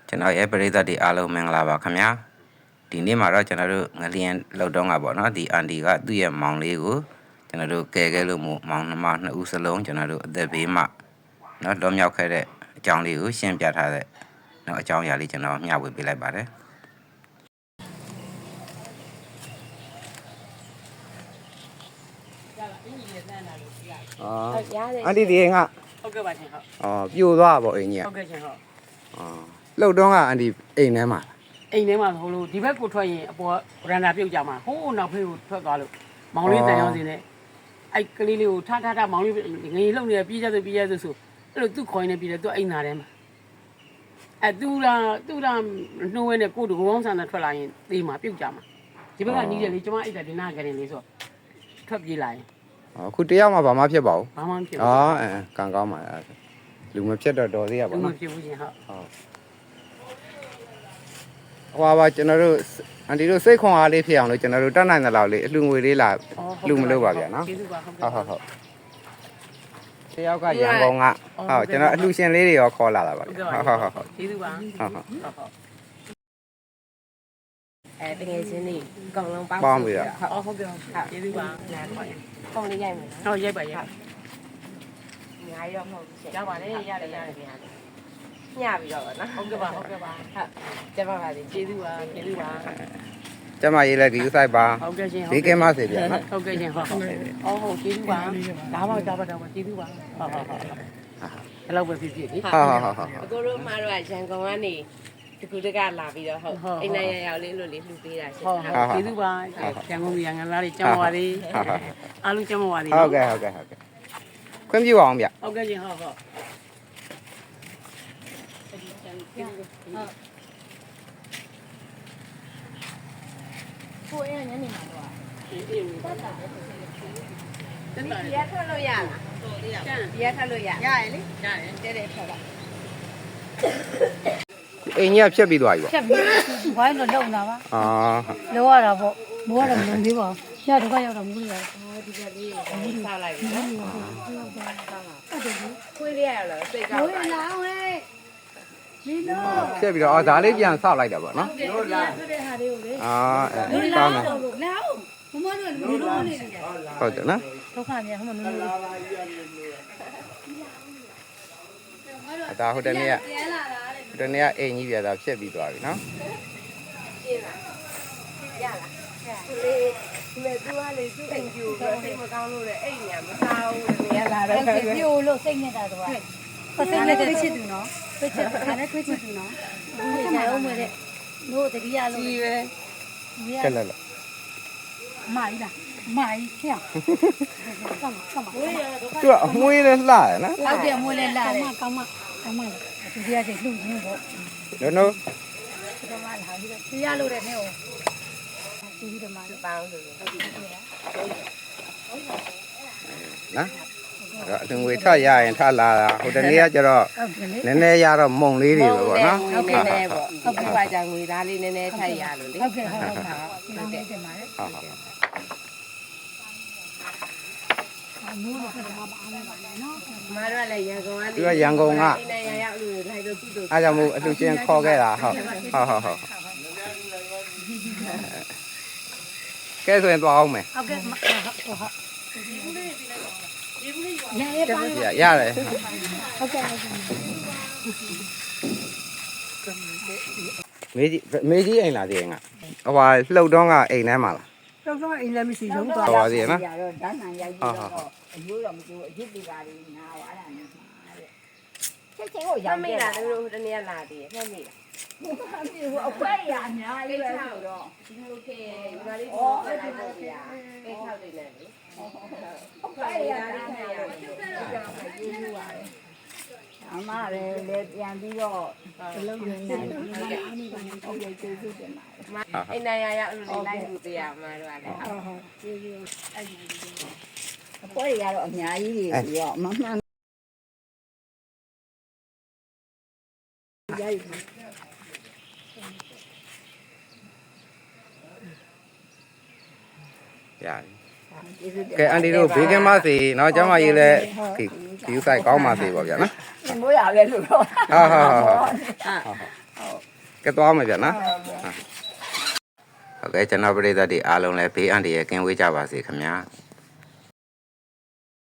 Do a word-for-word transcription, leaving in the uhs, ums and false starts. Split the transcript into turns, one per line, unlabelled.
ကျွန်တော်ရဲ့ပရိသတ်တွေအားလုံးမင်္ဂလာပါခင်ဗျာဒီနေ့မှာတော့ကျွန်တော်တို့ငလျင်လောက်တော့ကပေါ့နော်ဒီအန်တီကသူ့ရဲ့မောင်လေးကိုကျွန်တော်တို့ကယ်ခဲ့လို့မို့မောင်နှမနှစ်ဦးစလုံးကျွန်တော်တို့အသက်ဘေးမှနော်လွန်မြောက်ခဲ့တဲ့အကြောင်းလေးကိုရှင်းပြထားတဲ့နော်အကြောင်းအရာလေးကျွန်တော်မျှဝေပေးလိုက်ပါတယ်အာအန်တီဒီငါ
ဟုတ်ကဲ့ပါရှင်ဟုတ်
အော်ပြိုသွားပါအိမ်ကြီး
ဟုတ်ကဲ့ရှင်ဟုတ်
အော်လှုပ်တော့ကအန်တီအိမ်ထဲမှာ
အိမ်ထဲမှာဟိုလိုဒီဘက်ကိုထွက်ရင်အပေါ်ရန်တာပြုတ်ကြမှာဟိုးနောက်ဖေးကိုထွက်သွားလို့မောင်လေးတန်ရောင်းစင်းနဲ့အဲ့ကလေးလေးကိုထထထမောင်လေးငရေလှုပ်နေပြေးကြဆိုပြေးကြဆိုဆိုအဲ့လိုသူ့ခေါင်းနဲ့ပြေးတယ်သူအိမ်သားထဲမှာအဲ့သူလာသူလာနှိုးဝဲနဲ့ကိုတူကောင်းဆန်နဲ့ထွက်လာရင်သေးမှာပြုတ်ကြမှာဒီဘက်ကနီးတယ်လေကျမအိတ်တာဒီနာကရင်လေးဆိုထွက်ပြေးလာရင်
အခုတယောက်မှဘာမှဖြစ်ပါဘူး
ဘာမှမဖြစ်ဘူး
အော်အဲကံကောင်းပါလားလူမဖြစ်တော့တော်သေးရပါနော်
လူမဖြစ်ဘူးရှင်ဟုတ်
ဟုတ်ဟွာပါကျွန်တော်တို့အန်တီတို့စိတ်ခွန်အားလေးဖြစ်အောင်လို့ကျွန်တော်တို့တတ်နိုင်တဲ့လောက်လေးအလှငွေလေးလာလှမလို့ပါဗျာနော်
ကျေးဇူးပါဟုတ်
ဟုတ်ဟုတ်တယောက်ကရန်ကုန်ကဟုတ်ကျွန်တော်အလှရှင်လေးတွေရောခေါ်လာတာပါဗျာဟုတ်ဟုတ်ဟုတ်
ကျေးဇူးပါ
ဟုတ်ဟုတ်ဟုတ်
အဲတကယ်ချင်းလေးအကောင်လုံးပေါင်း
ပေါင်းပြီးတော့
ဟုတ်ဟုတ်ကဲ့ကျေးဇူးပါနားခေါ်ရင်
ပေါင်းလေးရိုက်မယ်
နော်ဟုတ်ရိုက်ပါရိုက်
အများကြီးတော့မဟုတ်ဘူးရှင်
ရပါတယ်ရတယ်ရတယ်ပြန်
ညပြီးတော့ဗောနော်
ဟုတ်ကဲ့ပါဟုတ်ကဲ့ပါ
ဟုတ်ကျမပါစေ
ကျေးဇူးပါကျေးဇူးပါ
ကျမရေးလိုက်ဒီဥဆိုင်ပါ
ဟုတ်ကဲ့ရှင်
ဒီကဲမစေဗျာနော်
ဟုတ်ကဲ့ရှင်ဟုတ်ဟုတ်အော်ဟုတ်ကျေးဇူးပါဒါပါဒါပါဒါပါကျေးဇူးပါဟုတ်ဟုတ်ဟုတ်အဲ့လောက်ပဲဖြစ်ဖြစ်လေ
ဟုတ်ဟုတ်ဟုတ်
အကိုတို့မှတော့ရန်ကုန်ကနေဒီကုတကလာပြီးတော့ဟုတ်အိမ်နိုင်ရောက်လေးလို့လေးလှူပေးတာရှင်
ဟုတ်ဟုတ်ကျေးဇူးပါရန်ကုန်ရန်ကုန်သားတွေကျမ်းပါသေးအားလုံးကျမ်းပါသေး
ဟုတ်ကဲ့ဟုတ်ကဲ့ဟုတ်ကဲ့ခွင့်ပြုအောင်ဗျ
ဟုတ်ကဲ့ရှင်ဟုတ်ဟုတ်
ကိုအဲ့ညနေမှာတော့
အေးအေး
တက်တာပဲ
တက်တာ
ဒီရထွက်လို့ရလား
ကျန်
ဒီရထွက်လို့ရ
ရရလေရတယ်
တဲ့တဲ့ထွက်ပါ
အိမ်ကြီးကဖြတ်ပြီးသွားပြီပေါ့
ဖြတ်ပြီးဘိုင်းတော့လုံတာပါ
အာ
လောရတာပေါ့မိုးကတော့မလုံသေးပါဘူးညတော့ကရောက်တော့မူးရတယ်
အော်ဒီကလေးကိုစားလိုက်ပြီနော်ခွေးလေးရလားစိတ်ကောက်
မိုးလာဝဲဒီလို
ဖြတ်ပြီးတော့အော်ဒါလေးပြန်ဆောက်လိုက်တာပေါ့နော်
ဟုတ်လားဆိုတဲ့ဟာလေးကိုလေ
အာအဲ
ကောင်းတယ်လာအောင်မမတို့လူလုံးနေတယ်
ဟုတ်တယ်နော်
ဒုက္ခမြန်ဟိုမနူးနူး
အတာဟိုတနေ့ကဟိုတနေ့ကအိမ်ကြီးပြတာဖြတ်ပြီးသွားပြီနော်
ရှင်းလားရလားသူလေးဒီမဲ့သူကလေသူ့အိမ်ကျူတော့စိတ်မကောင်းလို့လေအိမ်ညာမစားဘူးလေရလာတော့
ပြိုလို့စိတ်နဲ့တာတော့ပစိတ်နဲ့တွေ့ချစ်သူနော်တွေ့ချစ်တာနဲ့တွေ့ချစ်သူနော်ဘူးလေအောင်မတဲ့တို့တတိယလုံး
ကြီးပဲ
ကဲလာလာ
မိုင်းလားမိုင်းဖျက်ကမ်းကမ်း
သူကအမွေးလေးလှရနော်
ဟုတ်တယ်မွေးလေးလှတယ်ကောင်းမကောင်းမသူတရားစိတ်လှုပ်ရင်းပေါ့
နော်နော်
ဒီမှာလာပြီးတော့တရားလို့တဲ့နဲ့ဟိုဒီဒီမှာ
ပေါင်းဆိုဟုတ်ပြီ
နော်အထင်ငွေထရရင်ထလာတာဟိုတနေ့ကကျတော့နည်းနည်းရတော့မုံလေးတွေပဲပေါ့နော်
ဟုတ်ကဲ့နည်းပေါ့ဟုတ်ကဲ့ပါကြောင့်ငွေသားလေးနည်းနည်းထိုက်ရလို့လေ
ဟုတ်ကဲ့ဟုတ်ဟုတ်ပါဟုတ်တယ်တင်ပါတယ်
ဟုတ်ဟုတ်
မိုးတော့ကတော့မအားပါနဲ့နော်
မတို့လည်းရန်ကုန်ကနေ
သူကရန်ကုန်က
အိမ်နိုင်ရရောက်လို့ထိုက်တော့သူ့တို့
အားကြောင့်မို့အလှချင်းခေါ်ခဲ့တာဟုတ်ဟုတ်ဟုတ်ဟုတ်ကဲဆိုရင်သွားအောင်မယ်
ဟုတ်ကဲ့ဟုတ်ဟုတ်ရရပါ
ရရတယ်
ဟုတ်ကဲ့
မေကြီးမေကြီးအိမ်လာသေးငါဟိုလှုပ်တော့ကအိမ်ထဲမှာလား
တော့တော့အိမ်လည်းမရှိဆုံးသွား
ဟောပါသေးနော်
ရတော့ဓာတ်နံရိုက်ပြီးတော့အယိုးတော့မကျိုးအရစ်တွေပါလေနားသွားတာနဲ့ချက်ချင်းကို
ရောင်းမိတာတို့တနေ့လာသေးတယ်ဖက်မိတာ
ဟိုအခွဲရအများကြီးပဲဆိုတော့
ဒီလိုခေဒီမှာလေးအော်အဲ့ဒီလိုခေအိတ်ထောက်နေတယ်လေ
အခွဲရတာနဲ့ရအမလည်းလည်းပြန်ပြီးတော့အလုံးရင်းနေတယ်ဒီမှာအနိဗ္ဗာန်ကိုပြည့်စုံစေတယ်မှာ
အိမ်နိုင်ရရောက်လို့လိုက်လို့တရားမှာတော့လည်း
ဟုတ်ဟုတ်ကျေးဇူးအဲ့ဒီအခွဲရတော့အများကြီးတွေပြီးတော့မမှန်ရိုက်
ရတယ်ကဲအန်တီတို့ဘေးကင်းပါစေเนาะကျမကြီးလည်းဒီဒီဥဆိုင်ကောင်းပါစေပေါ့ဗျာနော်
မိုးရလဲလို့တော့
ဟုတ်ဟုတ်ဟုတ်ဟုတ်ကဲသွားမယ်ဗျနော်ဟုတ်ကဲ့ကျွန်တော်ပရိသတ်တွေအားလုံးလည်းဘေးအန္တရာယ်ကင်းဝေးကြပါစေခင်ဗျာ